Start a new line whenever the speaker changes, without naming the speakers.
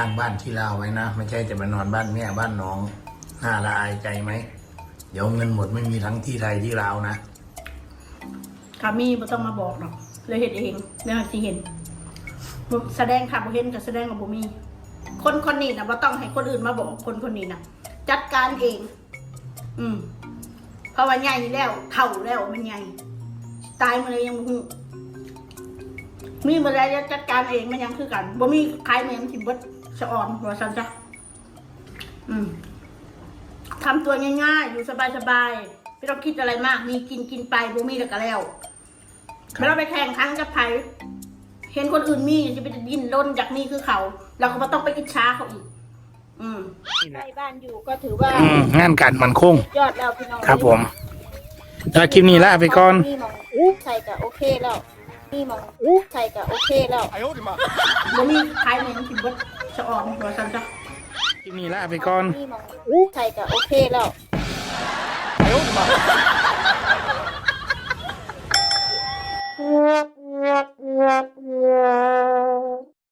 างบ้านที่ลาวไว้นะไม่ใช่จะมานอนบ้านแม่บ้านน้องน่าละอายใจไหมเดี๋ยวเงินหมดไม่มีทั้งที่ไทยที่ลาวนะ
คามีไม่ต้องมาบอกหรอกเลยเห็นเองเรื่องที่เห็นแสดงค่ะบ่เห็นกับแสดงกับบ่มีคนนี้นะบ่ต้องให้คนอื่นมาบอกคนนี้นะจัดการเอง เพราะว่าใหญ่แล้วเท่าแล้วมันใหญ่ตายมาเลยยังบ่มีเมื่อไรจะจัดการเองมันยังคือกันบ่มีใครเหมือนสิบดสะอ่อนหัวสันจ้ะทำตัวง่ายๆอยู่สบายๆไม่ต้องคิดอะไรมากมีกินไปบ่มีแล้วก็แล้วไม่ต้องไปแข่งขันกับใครเห็นคนอื่นมีจะไปดิ้นรนจากนี่คือเขาเราก็ไม่ต้องไปอิจฉาเขาอีกใกล้บ้านอยู่ก็ถือว่าง
านการมันคง
ยอดแล้วพี่น้อง
ครับผมแล้วคลิปนี้ลาไปก่อน
ใส่กับโอเคแล้วนี่มองใส่กับโอเคแล้วบ่มีใครเหมือนสิบดสะอ่อนหัวสันจ้ะ
คลิปนี้ลาไปก่อน
นี่มองใส่กับโอเคแล้ว